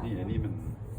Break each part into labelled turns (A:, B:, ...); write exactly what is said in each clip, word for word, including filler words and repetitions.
A: นี่อันนี้มัน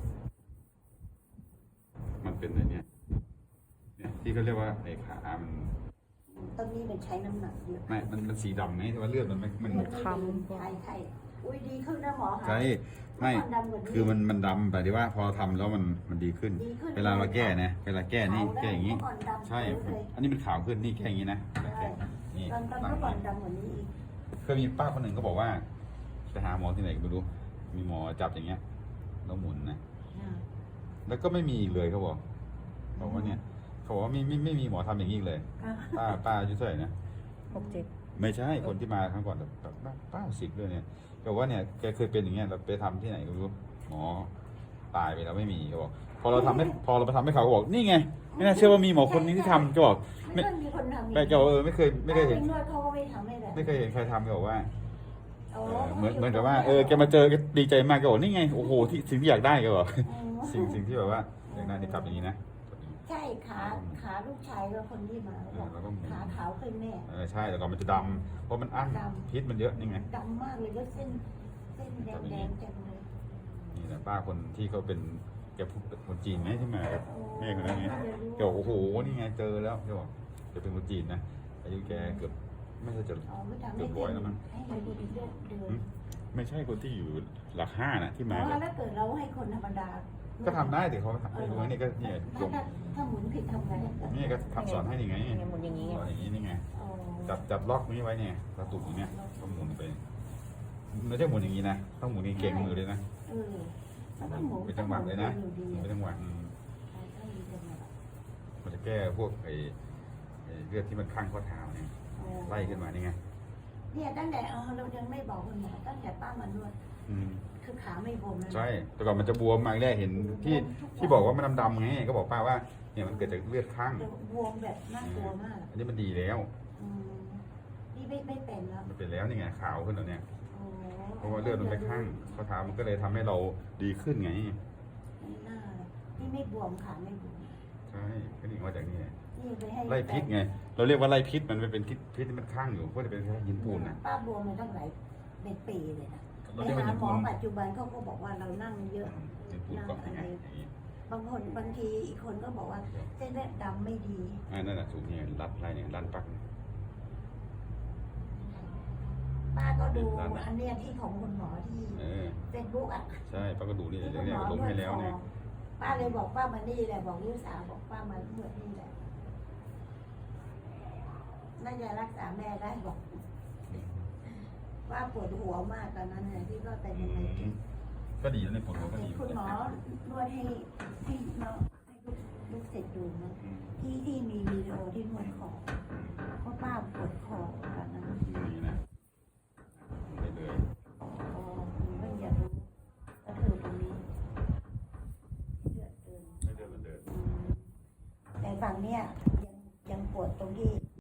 A: มันเป็นอะไรเนี่ยเนี่ยที่เขาเรียกว่าไอ้ขามัน
B: ตอนนี้มันใช้น้ำหนักเยอะ
A: ไม่มันมันสีดำไงแต่ว่าเลือดมันไม่มัน
B: คำใช่ใช่อุ้ยดีขึ้นนะหมอคะ
A: ใช่ไม่คือมันมันดำแต่ที่ว่าพอทำแล้วมันมันดีขึ้น เวลาเราแก้นะเวลาแก้นี่แก้อย่างนี้ใช่อันนี้มันขาวขึ้นนี่แก้อย่างนี้นะนี่
B: ตอนตอนเมื่อก่อนดำกว่านี้อีก
A: เคยมีป้าคนหนึ่งก็บอกว่าไปหาหมอที่ไหนก็ไม่รู้มีหมอจับอย่างเงี้ยแล้วหมุนนะแล้วก็ไม่มีอีกเลยเขาบอกบอกว่าเนี่ยเขาบอกว่าไม่ไม่ไม่มีหมอทำอย่างนี้อีกเลยป้าป้าอายุเท่าไหร่นะ
C: หกเจ็ด
A: ไม่ใช่คนที่มาครั้งก่อนแบบเก้าสิบด้วยเนี่ยก็ว่าเนี่ยแกเคยเป็นอย่างเงี้ยเราไปทำที่ไหนก็ไม่รู้หมอตายไปแล้วไม่มีเขาบอกพอเราทำให้พอเราไปทำให้เขาบอกนี่ไงไม่น่าเชื่อว่ามีหมอคนนี้ที่ทำก็บอก
B: ไม่เคยมีคนทำ
A: แกก็เออไม่เคยไม่เคยเห็น
B: นวดเขาก็ไม่ทำให้แบบ
A: ไม่เคยเห็นใครทำก็บอกว่า
B: โอ้
A: เหมือนเหมือนกับว่าเออแกมาเจอแกดีใจมากแกบอกนี่ไงโอ้โหที่สิ่งที่อยากได้แกบอกสิ่งสิ่งที่แบบว่าอยากได้นี่จับอย่างนี้นะ
B: ใช่ขาขาลูกชายก็คนที่มาบอกขาขาวขึ้นแน่
A: เออใช่แต่ก่อนมันจะดำเพราะมันอั้นพิษมันเยอะนี่ไง
B: ดำมากเลยก็เส้นเส้นแดงแดงจังเลย
A: นี่แหละป้าคนที่เขาเป็นแกพูดเป็นคนจีนไหมที่มากับแม่คนนั้นไงแกบอกโอ้โหนี่ไงเจอแล้วแกบอกแกเป็นคนจีนนะอายุแกเกือบไม่ใช่จะ
B: อ๋อไม่ทำ
A: เกื
B: ให้
A: อบร้อยแล้วมั้ง
B: ให้มันดีเลือดเดิน
A: ไม่ใช่คนที่อยู่หลักห้าน่ะที่
B: อ๋
A: มา
B: อ
A: กับ
B: แล้วเกิดเราให้คนธรรมดา
A: ก็ทำได้แต่เขาทำไม่รู้ไงนี่ก็เนี่ยล
B: ถ้าง ถ้าถ้าหมุนผิดทำไง
A: นี่ก็ทำสอนให้ยังไง
C: อย่างเงี้ยหมุนอย่างงี้ไง
A: สอนอย่างนี้นี่ไง
B: อ๋อ
A: จับจับล็อกนี้ไว้เนี่ยกระตุกอย่างเนี้ยต้องหมุนไปไม่ใช่หมุนอย่างนี้นะต้องหมุนเก่งมือเลยนะ
B: เออแล้วก็หมุน
A: เป็นจังหวะเลยนะเป็นจังหวะอืม
B: ใช่ต้องมีจังหวะ
A: มันจะแก้พวกไอ้ไอ้เลือดที่มันข้างข้อเท้าเนี่ยไล่ขึ้นมานี่ไง
B: เนี่ยตั้งแต่เออเรายังไม่บอกคุณหมอตั้งแต่ป้ามานวด
A: อืม
B: คือขาไม่บวมเลย
A: ใช่แต่ก่อนมันจะบวมมาแรกเห็นที่ที่บอกว่ามันดำๆไงก็บอกป้าว่าเนี่ยมันเกิดจากเลือดข้าง
B: บวมแบบน่ากลัวมาก
A: อันนี้มันดีแล้ว
B: อืมนี่ไม่ไม่เป็นแล้ว
A: มันเป็นแล้วนี่ไงขาวขึ้นแล้วเนี่ย
B: โอ้
A: เพราะว่าเลือดมันไปข้างข้อเท้ามันก็เลยทำให้เราดีขึ้นไง
B: ไม่น่าเลยนี่ไม่บวมขาไม่บวม
A: ใช่ก็นี่มาจากนี่ไง
B: นี่ไปให้
A: ไล่พิษไงเราเรียกว่าไล่พิษมันเป็นพิษพิษที่มันข้างอยู่ก็จะเป็นแค่หินปูนนะ
B: ป้าบวมมาตั้งหลายเป็นปีเลยนะ
A: เรา
B: ไป
A: เรียกว่า
B: หา
A: หิน
B: หม
A: ปู
B: อน ปัจจุบันเขาก็บอกว่าเรานั่งเยอะ
A: หินปูนเกาะยังไงอย่างนี้
B: บางคนบางทีอีกคนก็บอกว่าเส้นเลือดดำไม่ดี
A: อ่านั่นแหละสูงเนี่ยรัดไล่เนี่ยรันปัก
B: ป้าก็ดูอันเนี้ยที่ของคุณหมอที่
A: เออ
B: เฟซบุ๊กอ่ะ
A: ใช่ป้าก็ดูนี่
B: ที่
A: เดี๋
B: คุ
A: ยว
B: ณห
A: เนี่ย
B: มอ
A: ลงให้แล้วเนี่ย
B: ป้าเลยบอกป้ามานี่แหละบอกลูกสาวบอกป้ามาเมื่อนี่แหละน่าจะรักษาแม่ได้บอกว่าปวดหัวมากตอนนั้นเนี่ยที่ก็เป็นยังไง
A: ก็ดีแล้วในผลเขาก็ดี
B: คุณหมอนวดให้ให้น้องให้ลูกลูกเสร็จดูนะที่ที่มีวิดีโอที่นวดคอเพราะป้าปวดคอตอนนั้น
A: นี่นะไม่เลย
B: อ๋อไม่อยากรู้ก็คือตรงนี้เลือดเดิน
A: ไม่เดินมันเดิน
B: แต่ฝั่งเนี้ยยังยังปวดตรงที่